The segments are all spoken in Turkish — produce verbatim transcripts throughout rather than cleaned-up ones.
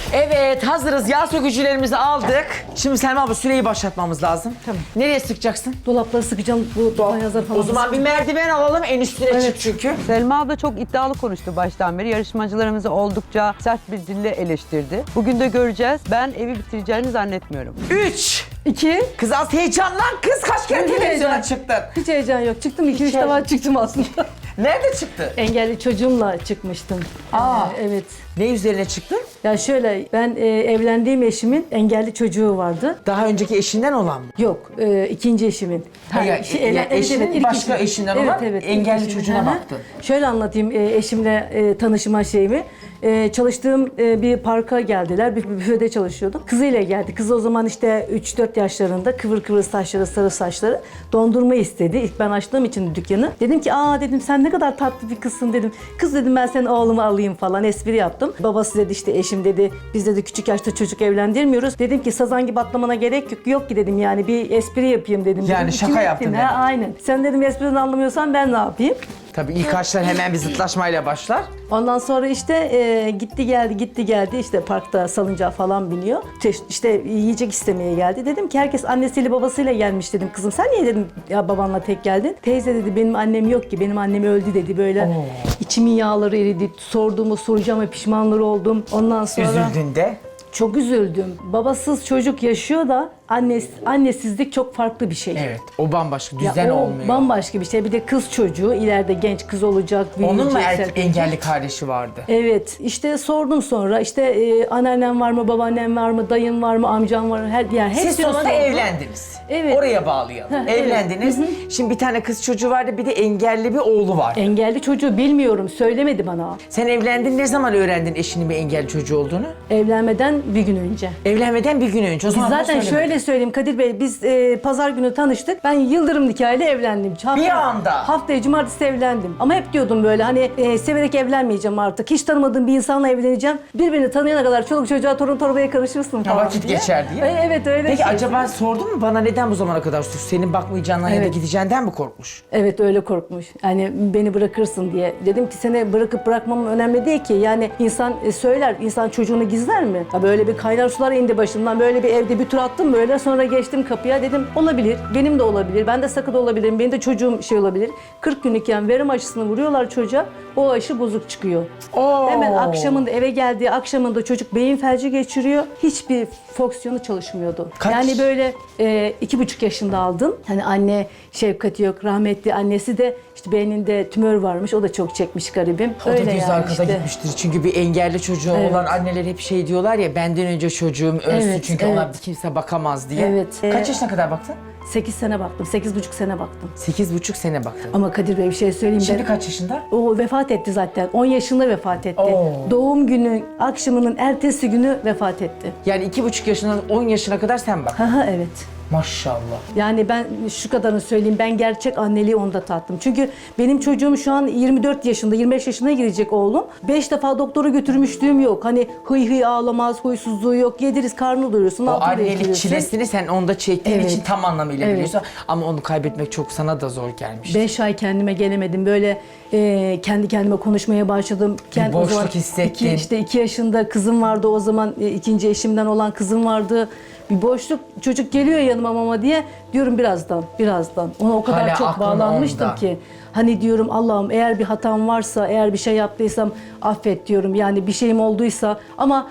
Evet, hazırız. Yağ sökücülerimizi aldık. Şimdi Selma abla süreyi başlatmamız lazım. Tamam. Nereye sıkacaksın? Dolapları sıkacağım. Bu dolap yazar falan. O zaman bir merdiven alalım, en üstüne Evet. çık çünkü. Selma abla çok iddialı konuştu baştan beri. Yarışmacılarımızı oldukça sert bir dille eleştirdi. Bugün de göreceğiz. Ben evi bitireceğini zannetmiyorum. Üç. İki. Kız az heyecanlan kız. Kaç kere Hiç televizyona heyecan. çıktın? Hiç heyecan yok. Çıktım iki üç heyecan. defa çıktım aslında. Nerede çıktı? Engelli çocuğumla çıkmıştım. Aa. Ee, evet. Ne üzerine çıktın? Ya şöyle ben e, evlendiğim eşimin engelli çocuğu vardı. Daha önceki eşinden olan mı? Yok, e, ikinci eşimin. Ha, ya- ya eşinin ilk başka eşim. eşinden olan engelli ilk çocuğuna eşim. Hı hı. baktın. Şöyle anlatayım e, eşimle e, tanışma şeyimi. E, çalıştığım e, bir parka geldiler. Bir büfede çalışıyordum. Kızıyla geldi. Kız o zaman işte üç dört yaşlarında, kıvır kıvır saçları, sarı saçları. Dondurma istedi. İlk ben açtığım için dükkanı. Dedim ki aa dedim sen ne kadar tatlı bir kızsın dedim. Kız dedim ben senin oğlumu alayım falan espri yaptım. Babası dedi işte eşim dedi biz dedi küçük yaşta çocuk evlendirmiyoruz. Dedim ki sazan gibi atlamana gerek yok, yok ki dedim yani bir espri yapayım dedim. Yani dedim. şaka İçime yaptın ettim. demek. Ha, aynen. Sen dedim espriden anlamıyorsan ben ne yapayım? Tabii ilk aşklar hemen bir zıtlaşmayla başlar. Ondan sonra işte e, gitti geldi gitti geldi işte parkta salıncağa falan biniyor. İşte, işte yiyecek istemeye geldi. Dedim ki herkes annesiyle babasıyla gelmiş dedim. Kızım sen niye dedim ya babanla tek geldin? Teyze dedi benim annem yok ki benim annem öldü dedi böyle. Oo. İçimin yağları eridi. Sorduğumu soracağım ve pişmanları oldum. Ondan sonra Üzüldün de. çok üzüldüm. Babasız çocuk yaşıyor da annesi, annesizlik çok farklı bir şey. Evet, o bambaşka, Ya düzen o olmuyor. bambaşka bir şey. Bir de kız çocuğu ileride genç kız olacak, büyüyecek. Onun mu erkek serpecek. engelli kardeşi vardı? Evet, işte sordum sonra işte e, anneannem var mı, babaannem var mı, dayım var mı, amcam var mı? Her, yani Siz hepsini sonunda sordum. evlendiniz. Evet. Oraya bağlayalım. Heh, evet. Evlendiniz. Şimdi bir tane kız çocuğu vardı, bir de engelli bir oğlu var. Engelli çocuğu bilmiyorum, söylemedi bana. Sen evlendin, ne zaman öğrendin eşinin bir engelli çocuğu olduğunu? Evlenmeden bir gün önce. Evlenmeden bir gün önce. O Biz zaman bana zaten söylemedin. şöyle söyleyeyim Kadir Bey, biz e, pazar günü tanıştık. Ben yıldırım nikahıyla evlendim. Hafta, Bir anda. Haftaya cumartesi evlendim. Ama hep diyordum böyle hani e, severek evlenmeyeceğim artık. Hiç tanımadığım bir insanla evleneceğim. Birbirini tanıyana kadar çoluk çocuğa torun torbaya karışırsın falan vakit diye. geçer diye. E, evet öyle. Peki şey. acaba sordun mu bana neden bu zamana kadar sus? Senin bakmayacağından ya da Evet. gideceğinden mi korkmuş? Evet öyle korkmuş. Yani beni bırakırsın diye. Dedim ki seni bırakıp bırakmam önemli değil ki. Yani insan e, söyler, insan çocuğunu gizler mi? Ya böyle bir kaynar sular indi başımdan. Böyle bir evde bir tur attım böyle. Sonra geçtim kapıya. Dedim olabilir. Benim de olabilir. Ben de sakın olabilirim. Benim de çocuğum şey olabilir. kırk günlükken verim aşısını vuruyorlar çocuğa. O aşı bozuk çıkıyor. Oo. Hemen akşamında eve geldiği akşamında çocuk beyin felci geçiriyor. Hiçbir fonksiyonu çalışmıyordu. Kaç? Yani böyle e, iki buçuk yaşında aldım. Hani anne şefkati yok. Rahmetli annesi de işte beyninde tümör varmış. O da çok çekmiş garibim. O da Öyle göz yani arkada işte. gitmiştir. Çünkü bir engelli çocuğu Evet. olan anneler hep şey diyorlar ya, benden önce çocuğum ölsün Evet, çünkü evet. ona kimse bakamaz diye. Evet. Kaç Ee, yaşına kadar baktın? sekiz sene baktım. sekiz buçuk sene baktım. Sekiz buçuk sene baktın. Ama Kadir Bey bir şey söyleyeyim. Şimdi ben- kaç yaşında? O vefat etti zaten. on yaşında vefat etti. Oo. Doğum günü akşamının ertesi günü vefat etti. Yani iki buçuk yaşından on yaşına kadar sen bak. Haha evet. Maşallah. Yani ben şu kadarını söyleyeyim, ben gerçek anneliği onda tattım. Çünkü benim çocuğum şu an yirmi dört yaşında, yirmi beş yaşına girecek oğlum. beş defa doktora götürmüşlüğüm yok. Hani hıy hıy ağlamaz, huysuzluğu yok. Yediriz, karnı doyuruyorsun. O altını annelik bekliyorsun. çilesini sen onda çektiğin Evet. için tam anlamıyla Evet. biliyorsun. Ama onu kaybetmek çok sana da zor gelmiş. Beş ay kendime gelemedim. Böyle e, kendi kendime konuşmaya başladım. Kend, o boşluk zaman hissettin. Iki, işte iki yaşında kızım vardı o zaman. E, ikinci eşimden olan kızım vardı. Bir boşluk, çocuk geliyor yanıma mama diye diyorum birazdan, birazdan. Ona o kadar Hala çok aklın bağlanmıştım onda. ki. Hani diyorum Allah'ım eğer bir hatam varsa, eğer bir şey yaptıysam affet diyorum. Yani bir şeyim olduysa ama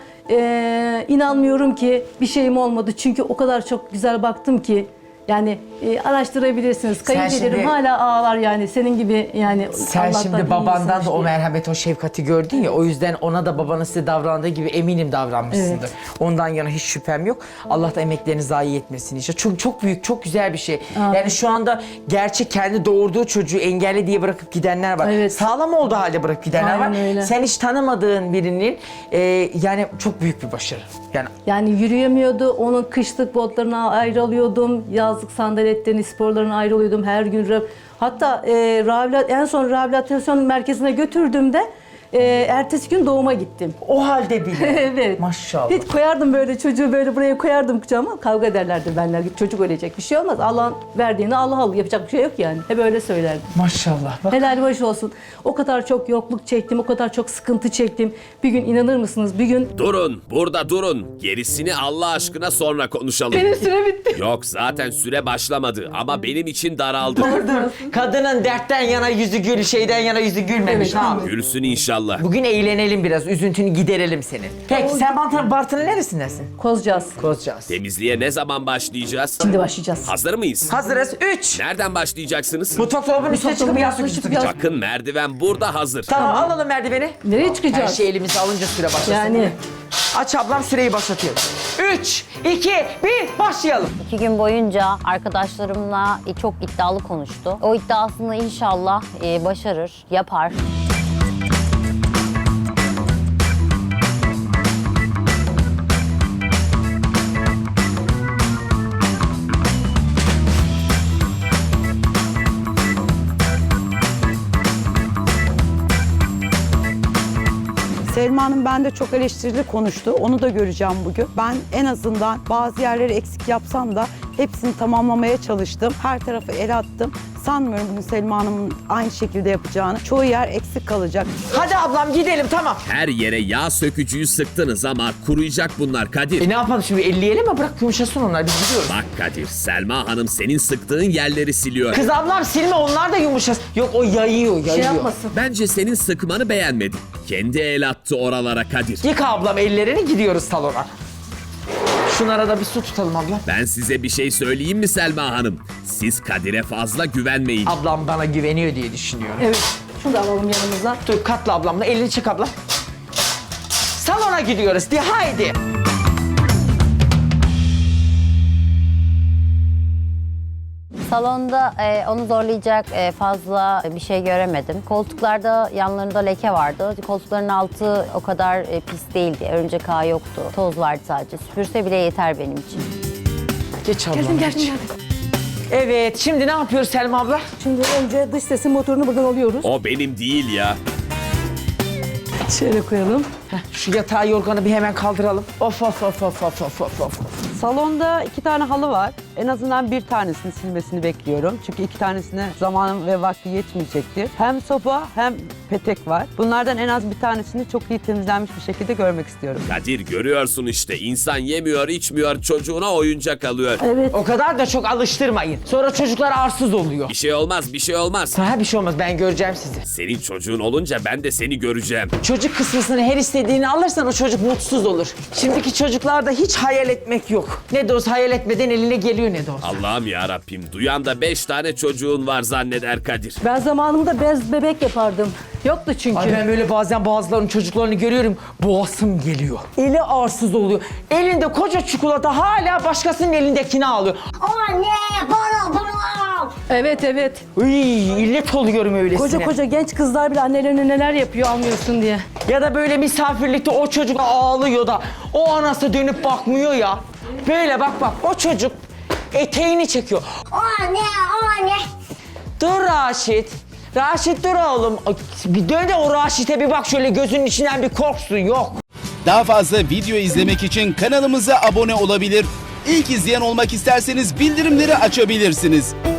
e, inanmıyorum ki bir şeyim olmadı. Çünkü o kadar çok güzel baktım ki. Yani e, araştırabilirsiniz. Kayınpederim şimdi- hala ağlar yani senin gibi yani. Sen Allah'tan iyi şimdi babandan insanmış da o diye. merhamet, o şefkati gördün ya, o yüzden ona da babanın size davrandığı gibi eminim davranmışsındır. Evet. Ondan yana hiç şüphem yok. Allah da emeklerini zayi etmesin inşallah. Çok çok büyük, çok güzel bir şey. Amin. Yani şu anda gerçek kendi doğurduğu çocuğu engelli diye bırakıp gidenler var. Evet. Sağlam olduğu halde bırakıp gidenler Aynen var. öyle. Sen hiç tanımadığın birinin e, yani çok büyük bir başarı. Yani Yani yürüyemiyordu. Onun kışlık botlarına ayrılıyordum. Yazlık sandaletlerini, sporlarına ayrılıyordum her gün. Hatta e, rehabilit- en son rehabilitasyon merkezine götürdüğümde e, ertesi gün doğuma gittim. O halde bile. Evet. Maşallah. Bir koyardım böyle çocuğu böyle buraya koyardım kucağıma. Kavga ederlerdi benler. Çocuk ölecek bir şey olmaz. Allah'ın verdiğini Allah alır. Yapacak bir şey yok yani. Hep öyle söylerdim. Maşallah. Bak. Helal baş olsun. O kadar çok yokluk çektim, o kadar çok sıkıntı çektim. Bir gün inanır mısınız? Bir gün Durun, burada durun. Gerisini Allah aşkına sonra konuşalım. benim süre bitti. Yok, zaten süre başlamadı ama benim için daraldı. Kadının dertten yana yüzü gül, şeyden yana yüzü gülmemiş. Evet, ha. Gülsün inşallah. Bugün eğlenelim biraz, üzüntünü giderelim senin. Peki sen Bartın, Bartın'ın neresindesin? Kozcağız. Kozcağız. Temizliğe ne zaman başlayacağız? Şimdi başlayacağız. Hazır mıyız? Hazırız. Üç. Nereden başlayacaksınız? Mutfak dolabının üstüne Mutfak çıkıp dolabı yağ yaklaşıp sökücü yağ- sıkacak. Bakın merdiven burada hazır. Tamam, alalım merdiveni. Nereye Her çıkacağız? şey elimize alınca süre başlasın. Yani Aç ablam, süreyi başlatıyorum. Üç, iki, bir, başlayalım. İki gün boyunca arkadaşlarımla çok iddialı konuştu. O iddiasını inşallah e, başarır, yapar. Selma Hanım bende çok eleştirili konuştu. Onu da göreceğim bugün. Ben en azından bazı yerleri eksik yapsam da hepsini tamamlamaya çalıştım. Her tarafı el attım. Sanmıyorum bugün Selma Hanım'ın aynı şekilde yapacağını. Çoğu yer eksik kalacak. Hadi ablam gidelim, tamam. Her yere yağ sökücüyü sıktınız ama kuruyacak bunlar Kadir. E ne yapalım şimdi, elleyelim mi? Bırak yumuşasın onlar, biz gidiyoruz. Bak Kadir, Selma Hanım senin sıktığın yerleri siliyor. Kız ablam silme, onlar da yumuşasın. Yok, o yayıyor, yayıyor. şey yapmasın. Bence senin sıkmanı beğenmedi. Kendi el attı oralara Kadir. Yıka ablam ellerini, gidiyoruz salona. Şunlara da bir su tutalım ablam. Ben size bir şey söyleyeyim mi Selma Hanım? Siz Kadir'e fazla güvenmeyin. Ablam bana güveniyor diye düşünüyorum. evet. Şunu da alalım yanımıza. Dur, katla ablamla, elini çık abla. Salona gidiyoruz diye, haydi. Salonda e, onu zorlayacak e, fazla bir şey göremedim. Koltuklarda yanlarında leke vardı. Koltukların altı o kadar e, pis değildi. Örümcek ağı yoktu. Toz vardı sadece. Süpürse bile yeter benim için. Geç ablam, Geldim geç. geldim geldim. Evet, şimdi ne yapıyoruz Selma abla? Şimdi önce dış sesin motorunu buradan alıyoruz. O benim değil ya. Şöyle koyalım. Heh, şu yatağı, yorganı bir hemen kaldıralım. Of of of of of of of of. Salonda iki tane halı var. En azından bir tanesini silmesini bekliyorum. Çünkü iki tanesine zamanım ve vakti yetmeyecektir. Hem sopa hem petek var. Bunlardan en az bir tanesini çok iyi temizlenmiş bir şekilde görmek istiyorum. Kadir, görüyorsun işte, insan yemiyor içmiyor, çocuğuna oyuncak alıyor. Evet. O kadar da çok alıştırmayın. Sonra çocuklar arsız oluyor. Bir şey olmaz, bir şey olmaz. Ha, bir şey olmaz, ben göreceğim sizi. Senin çocuğun olunca ben de seni göreceğim. Çocuk kısmısını her istediğini alırsan o çocuk mutsuz olur. Şimdiki çocuklarda hiç hayal etmek yok. Ne de olsa hayal etmeden eline geliyor ne de olsa. Allah'ım ya Rabbim, duyan da beş tane çocuğun var zanneder Kadir. Ben zamanımda bez bebek yapardım. Yoktu çünkü. Ay ben böyle bazen bazılarının çocuklarını görüyorum, boğazım geliyor. Eli arsız oluyor. Elinde koca çikolata, hala başkasının elindekini alıyor. Anne bana bana. Evet evet. Iy, illet oluyorum öylesine. Koca koca genç kızlar bile annelerine neler yapıyor almıyorsun diye. Ya da böyle misafirlikte o çocuk ağlıyor da o anası dönüp bakmıyor ya. Böyle bak bak, o çocuk eteğini çekiyor. Anne anne. Dur Raşit. Raşit dur oğlum. Ay, bir dön de o Raşit'e bir bak şöyle, gözünün içinden bir korksun, yok. Daha fazla video izlemek için kanalımıza abone olabilir. İlk izleyen olmak isterseniz bildirimleri açabilirsiniz.